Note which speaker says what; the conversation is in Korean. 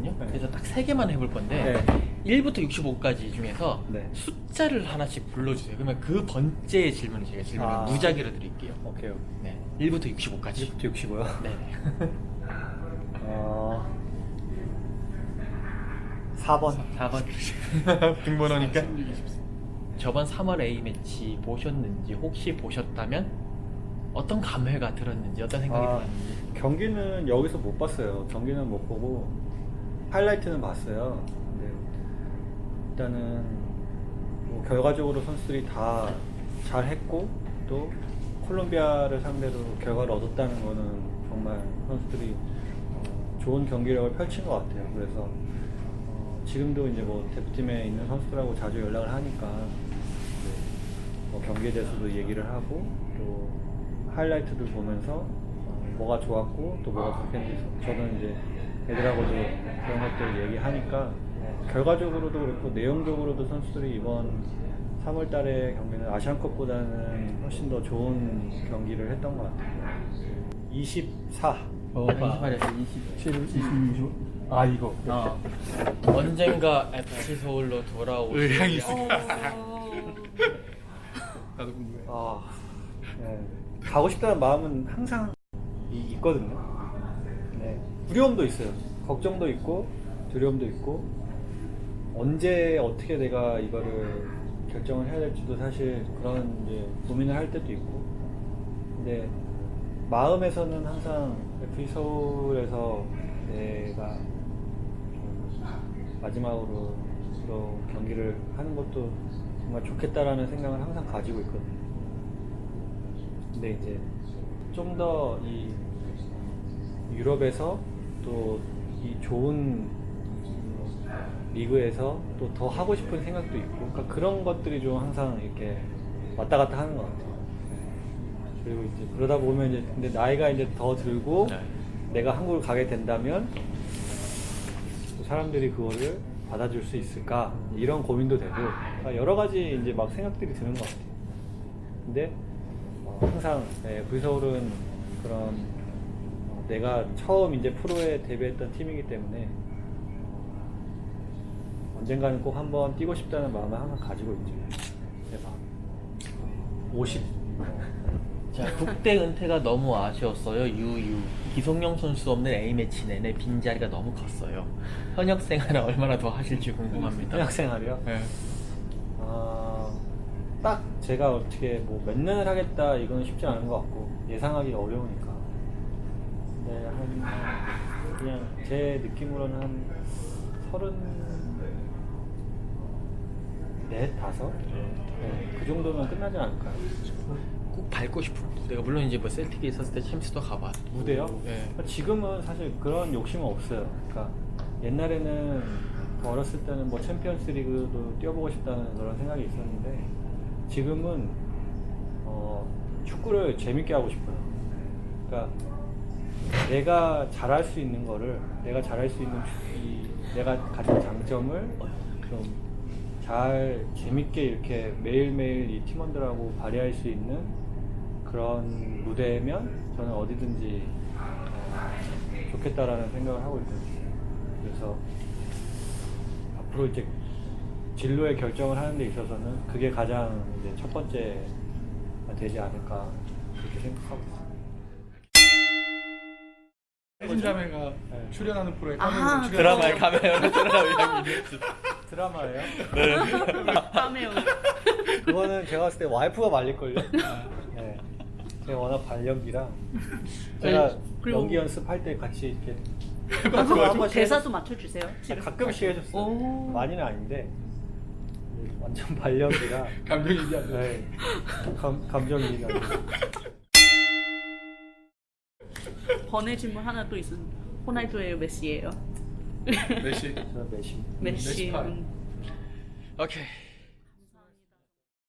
Speaker 1: 있거든요.
Speaker 2: 네.
Speaker 1: 그래서 딱 3개만 해볼 건데
Speaker 2: 네.
Speaker 1: 1부터 65까지 중에서
Speaker 2: 네.
Speaker 1: 숫자를 하나씩 불러주세요. 그러면 그 번째의 질문을 제가 질문을 무작위로 드릴게요.
Speaker 2: 오케이.
Speaker 1: 네, 1부터 65까지.
Speaker 2: 1부터 65요?
Speaker 1: 네.
Speaker 2: 4번.
Speaker 1: 4번. 등번호니까. 저번 3월 A매치 보셨는지, 혹시 보셨다면 어떤 감회가 들었는지, 어떤 생각이 들었는지.
Speaker 2: 경기는 여기서 못 봤어요. 경기는 못 보고 하이라이트는 봤어요. 근데 일단은 뭐 결과적으로 선수들이 다 잘했고, 또 콜롬비아를 상대로 결과를 얻었다는 거는 정말 선수들이 좋은 경기력을 펼친 것 같아요. 그래서 지금도 이제 뭐 대표팀에 있는 선수들하고 자주 연락을 하니까 뭐 경기에 대해서도 얘기를 하고, 또 하이라이트들 보면서 뭐가 좋았고 또 뭐가 좋겠는지 저는 이제 애들하고도 그런 것들 얘기하니까 결과적으로도 그렇고 내용적으로도 선수들이 이번 3월 달에 경기는 아시안컵보다는 훨씬 더 좋은 경기를 했던 것 같아요. 24.
Speaker 1: 28에서 27.
Speaker 3: 26. 아 이거.
Speaker 1: 언젠가 FC 서울로 돌아오실
Speaker 3: 의향이
Speaker 1: 때-
Speaker 3: 나도 궁금해.
Speaker 2: 네. 가고 싶다는 마음은 항상 있거든요. 네. 두려움도 있어요. 걱정도 있고 두려움도 있고, 언제 어떻게 내가 이거를 결정을 해야 될지도 사실 그런 이제 고민을 할 때도 있고, 근데 마음에서는 항상 FC 서울에서 내가 마지막으로 또 경기를 하는 것도 정말 좋겠다라는 생각을 항상 가지고 있거든요. 근데 이제 좀 더 이 유럽에서 또 이 좋은 리그에서 또 더 하고 싶은 생각도 있고, 그러니까 그런 것들이 좀 항상 이렇게 왔다 갔다 하는 것 같아요. 그리고 이제 그러다 보면 이제 근데 나이가 이제 더 들고
Speaker 1: 네.
Speaker 2: 내가 한국을 가게 된다면 사람들이 그거를 받아줄 수 있을까, 이런 고민도 되고, 그러니까 여러 가지 이제 막 생각들이 드는 것 같아요. 근데 항상 V서울은 그런 내가 처음 이제 프로에 데뷔했던 팀이기 때문에 언젠가는 꼭 한번 뛰고 싶다는 마음을 항상 가지고 있죠. 대박. 50.
Speaker 1: 자, 국대 은퇴가 너무 아쉬웠어요. 유유. 기성용 선수 없는 A매치 내내 빈자리가 너무 컸어요. 현역 생활을 얼마나 더 하실지 궁금합니다.
Speaker 2: 현역 생활이요?
Speaker 1: 네.
Speaker 2: 딱 제가 어떻게 뭐 몇 년을 하겠다 이건 쉽지 않은 것 같고 예상하기 어려우니까. 근데 그냥 제 느낌으로는 한 34, 5? 네, 그 정도면 끝나지 않을까요?
Speaker 1: 꼭 밟고 싶은 무대가, 물론 이제 뭐 셀틱에 있었을 때 챔스도 가봤고.
Speaker 2: 무대요?
Speaker 1: 네.
Speaker 2: 지금은 사실 그런 욕심은 없어요. 그러니까 옛날에는 어렸을 때는 뭐 챔피언스 리그도 뛰어보고 싶다는 그런 생각이 있었는데, 지금은 축구를 재밌게 하고 싶어요. 그러니까 내가 잘할 수 있는 거를, 내가 잘할 수 있는 내가 가진 장점을 좀 잘 재밌게 이렇게 매일매일 이 팀원들하고 발휘할 수 있는 그런 무대면 저는 어디든지 좋겠다라는 생각을 하고 있거든요. 그래서 앞으로 이제 진로의 결정을 하는 데 있어서는 그게 가장 이제 첫 번째가 되지 않을까, 그렇게 생각하고 있습니다.
Speaker 3: 혜진자매가
Speaker 2: 네.
Speaker 3: 출연하는 프로에
Speaker 4: 아하,
Speaker 3: 카메오로
Speaker 1: 드라마에 가면 드라마
Speaker 2: 드라마예요?
Speaker 4: 까메오.
Speaker 2: 그거는 제가 봤을 때 와이프가 말릴걸요? 네. 제가 워낙 발연기라 제가
Speaker 4: 그리고-
Speaker 2: 연기 연습할 때 같이 이렇게
Speaker 4: 대사도 맞춰주세요. 집에서.
Speaker 2: 가끔씩 해줬어요.
Speaker 4: 오.
Speaker 2: 많이는 아닌데 완전 발연기라.
Speaker 3: 감정이입이 안 돼.
Speaker 2: 네. 감정이입이 안 돼요.
Speaker 4: 번외 질문 하나 또 있습니다. 호날두예요, 메시예요?
Speaker 3: 메시.
Speaker 2: 저는 매심.
Speaker 4: 메시.
Speaker 3: 메시파.
Speaker 1: 오케이.